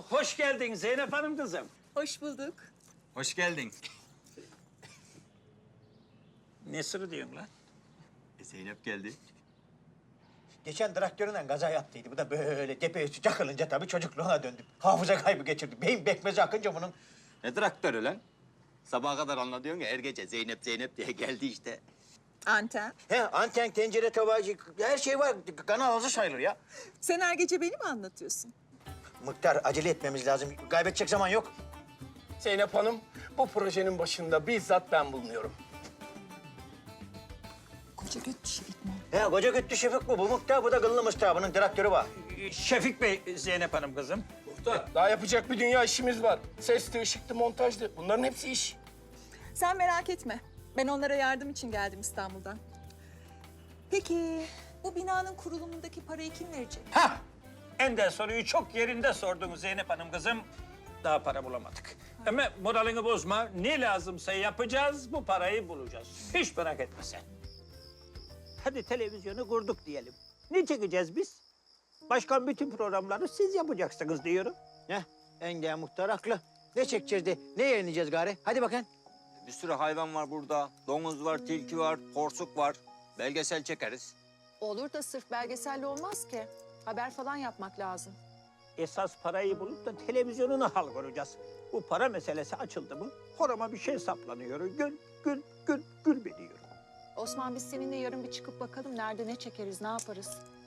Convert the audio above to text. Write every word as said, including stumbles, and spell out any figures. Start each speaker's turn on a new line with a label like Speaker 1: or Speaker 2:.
Speaker 1: Hoş geldin Zeynep Hanım kızım.
Speaker 2: Hoş bulduk.
Speaker 3: Hoş geldin.
Speaker 1: Ne sırrı diyorsun lan?
Speaker 3: E, Zeynep geldi.
Speaker 4: Geçen traktöründen kaza yaptıydı. Bu da böyle tepe üstü çakılınca tabii çocukluğuna döndü. Hafıza kaybı geçirdi. Beyin bekmezi akınca bunun.
Speaker 3: Ne traktörü lan? Sabaha kadar anlatıyorsun ya, her gece Zeynep Zeynep diye geldi işte.
Speaker 2: Anten.
Speaker 4: He, anten, tencere, tabağı, her şey var. Kanal ağzı sayılır ya.
Speaker 2: Sen her gece beni mi anlatıyorsun?
Speaker 4: Muhtar, acele etmemiz lazım. Kaybedecek zaman yok.
Speaker 5: Zeynep Hanım, bu projenin başında bizzat ben bulunuyorum.
Speaker 2: Koca göt dişi gitme.
Speaker 4: He, koca güttü Şefik bu. Bu muhtar, bu da kıllı muhtar. Bunun traktörü var.
Speaker 1: Şefik Bey, Zeynep Hanım kızım.
Speaker 5: Muhtar, daha yapacak bir dünya işimiz var. Sesti, ışıktı, montajdı. Bunların hepsi iş.
Speaker 2: Sen merak etme. Ben onlara yardım için geldim İstanbul'dan. Peki bu binanın kurulumundaki parayı kim verecek?
Speaker 1: Hah! Ender soruyu çok yerinde sordunuz Zeynep Hanım kızım. Daha para bulamadık. Ama moralini bozma. Ne lazımsa yapacağız, bu parayı bulacağız. Hiç merak etme sen. Hadi televizyonu kurduk diyelim. Ne çekeceğiz biz? Başkan bütün programları siz yapacaksınız diyorum.
Speaker 4: Heh, Enge muhtar haklı. Ne çekeceğiz de, ne yayınlayacağız gari? Hadi bakın.
Speaker 3: Bir sürü hayvan var burada. Domuz var, tilki var, porsuk var. Belgesel çekeriz.
Speaker 6: Olur da sırf belgeselle olmaz ki. Haber falan yapmak lazım.
Speaker 1: Esas parayı bulup da televizyonuna hal kuracağız. Bu para meselesi açıldı mı horama bir şey saplanıyor. Gül, gül, gül, gül biliyor.
Speaker 6: Osman biz seninle yarın bir çıkıp bakalım nerede ne çekeriz, ne yaparız?